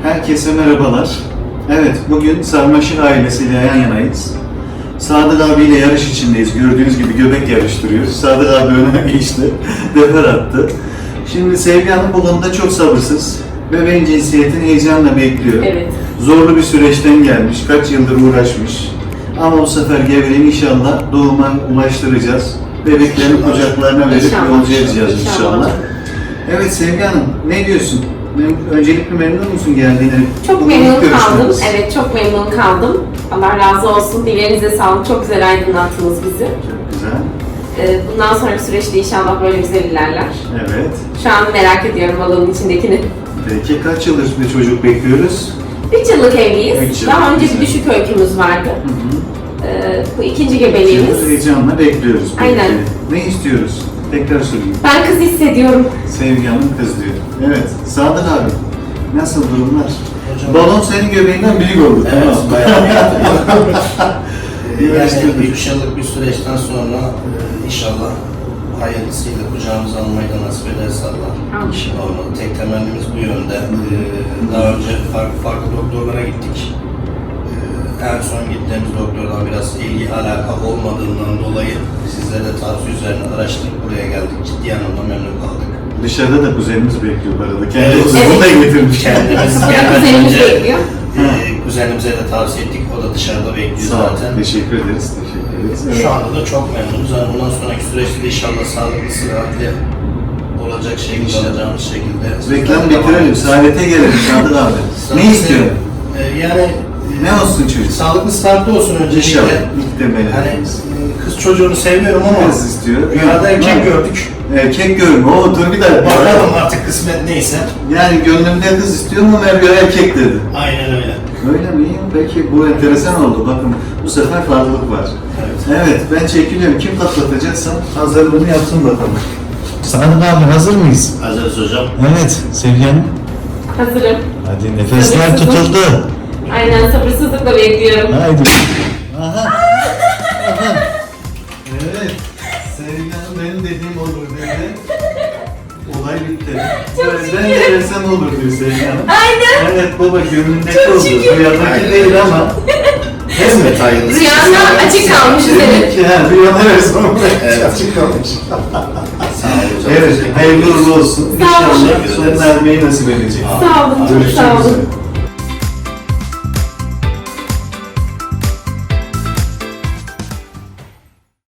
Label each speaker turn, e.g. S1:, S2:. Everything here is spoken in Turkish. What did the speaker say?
S1: Herkese merhabalar. Evet, bugün Sarmaşık ailesiyle yan yanayız. Sadık abiyle yarış içindeyiz. Gördüğünüz gibi göbek yarıştırıyoruz. Sadık abi öne geçti, defer attı. Şimdi Sevgi Hanım bu konuda çok sabırsız. Bebeğin cinsiyetini heyecanla bekliyor.
S2: Evet.
S1: Zorlu bir süreçten gelmiş, kaç yıldır uğraşmış. Ama bu sefer gevreğini inşallah doğuma ulaştıracağız. Bebeklerini kucaklarına verip
S2: İnşallah.
S1: yolcu edeceğiz inşallah. Evet Sevgi Hanım, ne diyorsun? Öncelikle memnun musun geldiğine?
S2: Çok
S1: Bugün
S2: memnun
S1: ilk görüşmemiz.
S2: kaldım. Evet, çok memnun kaldım. Allah razı olsun. Dillerinize sağlık. Çok güzel aydınlattınız bizi.
S1: Çok güzel.
S2: Bundan sonraki süreçte inşallah böyle güzel ilerler.
S1: Evet.
S2: Şu an merak ediyorum balonun içindekini.
S1: Peki kaç yıldır bir çocuk bekliyoruz?
S2: 3 yıllık evliyiz.
S1: 3 yıl,
S2: Daha önce
S1: güzel.
S2: bir düşük öykümüz vardı.
S1: Hı hı.
S2: Bu ikinci
S1: 2
S2: gebeliğimiz.
S1: yıldır heyecanla bekliyoruz. Peki.
S2: Aynen.
S1: Ne istiyoruz? Tekrar sorayım.
S2: Ben kız hissediyorum.
S1: Sevgi Hanım kız diyor. Evet. Sadık abi. Nasıl durumlar?
S3: Hocam-
S1: Balon senin göbeğinden büyük oldu.
S3: Evet,
S1: Tamam.
S3: bayağı yani
S1: Yarıştırdık.
S3: 3 yıllık bir süreçten sonra inşallah hayırlısıyla kucağımıza almayı da nasip ederse Allah.
S2: Amin.
S3: Olmalı. Tek temennimiz bu yönde. Daha önce farklı doktorlara gittik. En son gittiğimiz doktordan biraz ilgi alaka olmadığından dolayı sizlere tavsiye üzerine araştırıp buraya geldik. Ciddi anlamda memnun kaldık.
S1: Dışarıda da kuzenimiz bekliyor bu arada. Kendi
S3: Evet.
S1: kuzenini de getirmiş.
S3: Kendimiz
S2: Kapıda
S3: gelmeden
S2: kuzenimiz
S3: önce
S2: bekliyor.
S3: kuzenimize de tavsiye ettik. O da dışarıda bekliyor
S1: Sağ ol.
S3: zaten.
S1: Teşekkür ederiz. Teşekkür ederiz. Evet.
S3: Şu anda da çok memnunuz. Yani bundan sonraki süreçte de inşallah sağlıklı, sıhhatli olacak şekilde,
S1: İnşallah.
S3: alacağımız şekilde.
S1: Reklam bitirelim. Saadete gelelim Sadık abi. Ne istiyorsun?
S3: Yani
S1: Ne olsun çocuk?
S3: sağlıklı, sıhhatli olsun öncelikle.
S1: İnşallah. İlk temeli.
S3: Hani kız çocuğunu seviyorum ama
S1: Kız istiyor.
S3: rüyada erkek
S1: Ha.
S3: gördük.
S1: Erkek görme. Oo dur bir dakika.
S3: Bakalım artık kısmet neyse.
S1: Yani gönlümde kız istiyorum ama Merve erkek dedi.
S3: Aynen öyle.
S1: Öyle mi? Peki bu enteresan oldu. Bakın bu sefer farklılık var.
S3: Evet.
S1: Evet ben çekiliyorum. Kim patlatacaksa hazırlığını yapsın bakalım. Sadık abi hazır mıyız?
S3: Hazırız hocam.
S1: Evet Sevgi Hanım.
S2: Hazırım.
S1: Hadi nefesler
S2: Sabırsızım.
S1: tutuldu.
S2: Aynen, sabırsızlıkla bekliyorum.
S1: Haydi. Aha. Aha. Evet. Sevgi Hanım benim dediğim olur dedi. Olay bitti. Ben de versem olur diyor Sevgi Hanım.
S2: Aynen.
S1: Evet baba gönlündeki
S2: Çok
S1: oldu.
S2: şükür.
S1: Rüyadaki
S3: Aynen.
S1: değil ama.
S3: Kısmet hayırlısı.
S2: Rüyanda açık kalmış senin.
S1: Ki ha rüyada versem
S3: Evet.
S1: açık kalmış.
S3: Sağ olun hocam.
S1: Evet
S3: Teşekkür
S1: hayırlı uğurlu olsun.
S2: Sağ olun.
S1: İnşallah son vermeyi nasip edecek.
S2: Sağ olun.
S1: Görüşmek
S2: Sağ olun.
S1: üzere.